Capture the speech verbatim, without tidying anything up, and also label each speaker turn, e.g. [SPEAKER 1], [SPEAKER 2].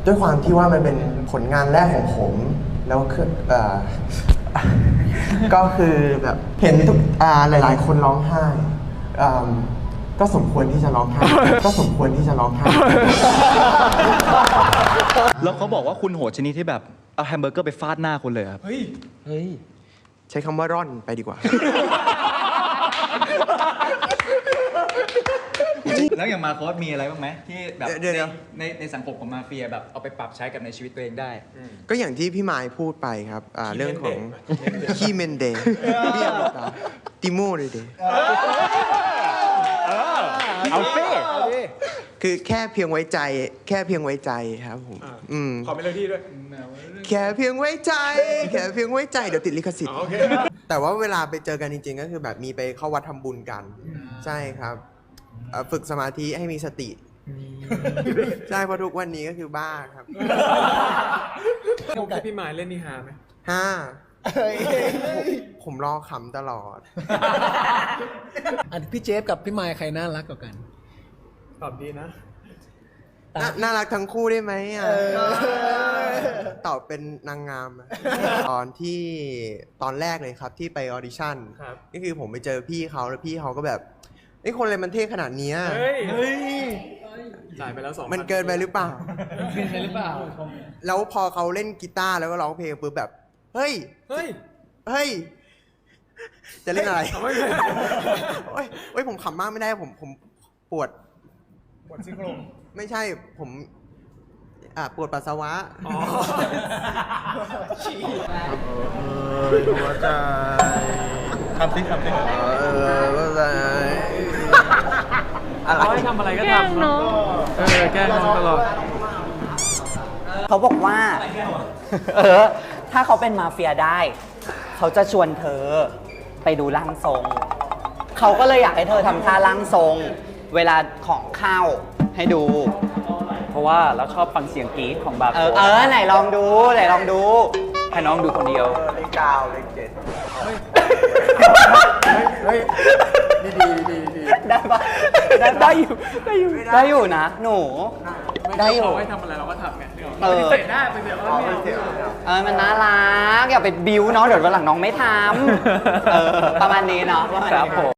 [SPEAKER 1] ด้วยความที่ว่ามันเป็นผลงานแรกของผมแล้วคือเอ่อ ก็คือแบบเห็นทุกอ่าหลายๆ คนร้องไห้อ่าก็สมควรที่จะร้องไห้ ก็สมควรที่จะร้องไห้
[SPEAKER 2] แล้วเขาบอกว่าคุณโหดชนิดที่แบบเอาแฮมเบอร์เกอร์ไปฟาดหน้าคุณเลยครับ
[SPEAKER 3] เฮ้ย
[SPEAKER 2] เฮ้ย
[SPEAKER 1] ใช้คำว่าร่อนไปดีกว่า
[SPEAKER 2] แล้วอย่างมาโค้ดมีอะไรบ้างไหมที่แบบ
[SPEAKER 1] เดี๋ยว
[SPEAKER 2] ใน
[SPEAKER 1] เดี๋ยว
[SPEAKER 2] ในในสังคมของมาเฟียแบบเอาไปปรับใช้กับในชีวิตตัวเองได้
[SPEAKER 1] ก็อย่างที่พี่ไมายพูดไปครับอ่าเรื่องของขี้เมนเดย์เรียกว่าติโมเลยเดย์
[SPEAKER 3] เอาเฟ่
[SPEAKER 1] คือแค่เพียงไว้ใจ แค่เพียงไว้ใจครับผมอืม
[SPEAKER 3] ขอเมโลดี้ด้วย
[SPEAKER 1] แค่เพียงไว้ใจ แค่เพียงไว้ใจเดี๋ยวติดลิขสิทธิ์
[SPEAKER 3] โอเค
[SPEAKER 1] แต่ว่าเวลาไปเจอกันจริงๆ ก็คือแบบมีไปเข้าวัดทำบุญกัน ใช่ครับเอ่อฝึกสมาธิให้มีสติ ใช่เพราะทุกวันนี้ก็คือบ้าครับ
[SPEAKER 3] โอกาสพี่หมายเล่นนี่ฮาไหม
[SPEAKER 1] ห้าผมผมรอขำตลอด
[SPEAKER 4] อันพี่เจฟกับพี่ไมค์ใครน่ารักกว่ากัน
[SPEAKER 3] ตอบดีนะ
[SPEAKER 1] น่าน่ารักทั้งคู่ได้ไหมอ่ะตอบเป็นนางงามอะตอนที่ตอนแรกเลยครับที่ไปออดิชั่น
[SPEAKER 3] ครับ
[SPEAKER 1] ก็คือผมไปเจอพี่เขาแล้วพี่เขาก็แบบไอ้ยคนอะไรมันเท่ขนาดเนี้ย
[SPEAKER 3] เฮ้ย เฮ้ย จ่ายไปแล้วสองพั
[SPEAKER 1] มันเกินไปหรือเปล่า
[SPEAKER 4] เป็นใครหรือเปล่า
[SPEAKER 1] แล้วพอเขาเล่นกีตาร์แล้วก็ร้องเพลงปุ๊บแบบ เฮ้ย
[SPEAKER 3] เฮ้ย
[SPEAKER 1] เฮ้ย จะเล่นอะไร
[SPEAKER 3] เฮ้ยเอาไม่เป็น
[SPEAKER 1] โอ้ยโอ้ยผมขำมากไม่ได้ผมผมปวด
[SPEAKER 3] ปวดซี่โครง
[SPEAKER 1] ไม่ใช่ผมอ่าปวดปัสสาวะ
[SPEAKER 3] อ๋อ
[SPEAKER 1] หัวใจ
[SPEAKER 2] ทำซิทำซิ
[SPEAKER 1] เออหัวใจอะไร
[SPEAKER 3] เขาให้ทำอะไรก็ทำเนาะเออ แกล้งน้องตลอด
[SPEAKER 5] เขาบอกว่า เออ ถ้าเขาเป็นมาเฟียได้ เขาจะชวนเธอไปดูร่างทรง เขาก็เลยอยากให้เธอทำท่าร่างทรง เวลาของเข้าให้ดู
[SPEAKER 6] เพราะว่าเราชอบฟังเสียงกรี๊ดของบาร์
[SPEAKER 5] เอ
[SPEAKER 6] โค้
[SPEAKER 5] อ
[SPEAKER 6] ด
[SPEAKER 5] เออ ไหนลองดู ไหนลองดู
[SPEAKER 6] ให้น้องดูคนเดียว
[SPEAKER 1] เลขเก้าเลขเจ็ด
[SPEAKER 3] เฮ้ย ดีดีดีดี
[SPEAKER 5] ได้ปะได้ได้อยู่ ได้อยู่ ได้อยู่นะ หนู ได้อยู่
[SPEAKER 3] เขาให้ทำอะไรเราก็ทำไง
[SPEAKER 5] เออ
[SPEAKER 3] เตะได้ไปเตะเขาไม่เตะ
[SPEAKER 5] เออ มันน่ารัก อย่าไปบิ้วเนาะ เดี๋ยววันหลังน้องไม่ทำ เออ ประมาณนี้เนาะประมาณ
[SPEAKER 6] ครับ
[SPEAKER 5] นี้
[SPEAKER 6] ผม